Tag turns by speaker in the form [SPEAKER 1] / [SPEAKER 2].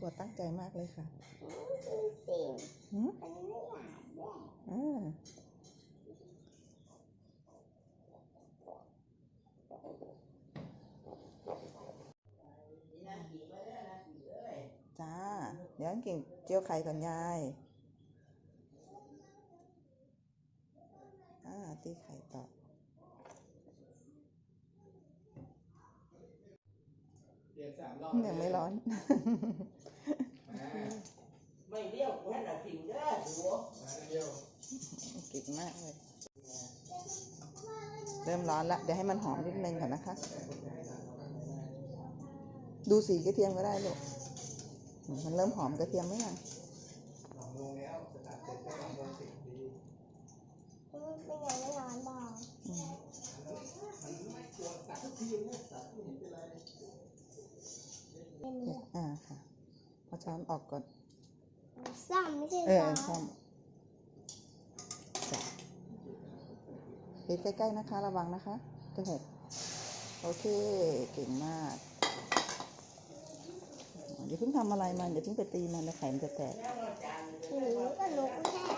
[SPEAKER 1] รัวตั้งใจมากเลยค่ะ
[SPEAKER 2] อันนี้ไม่หวานด้วย
[SPEAKER 1] จ้าเดี๋ยวเก่งเจียวไข่ก่อนยายตีไข่ต่อยังไม่ร้อน
[SPEAKER 3] ไม่เลี้ยวแค่หน้าผิงเด้อหัว
[SPEAKER 1] เก่งมากเลยเริ่มร้อนแล้วเดี๋ยวให้มันหอมนิดนึงก่อนนะคะดูสีกระเทียมก็ได้ลูกมันเริ่มหอมกระเทียมไหมยัง
[SPEAKER 2] เป็นไงไม่ร้อนบอก
[SPEAKER 1] ค่ะเอาช้อนออกก่อน
[SPEAKER 2] ซ่อมไม่ใช่
[SPEAKER 1] ซ่อมปิดใกล้ๆนะคะระวังนะคะจะหกโอเคเก่งมากอย่าเพิ่งทำอะไรมันอย่าเพิ่งไปตีมันแล้วไข่มันจะแตก
[SPEAKER 2] หรือก็ลุกแค่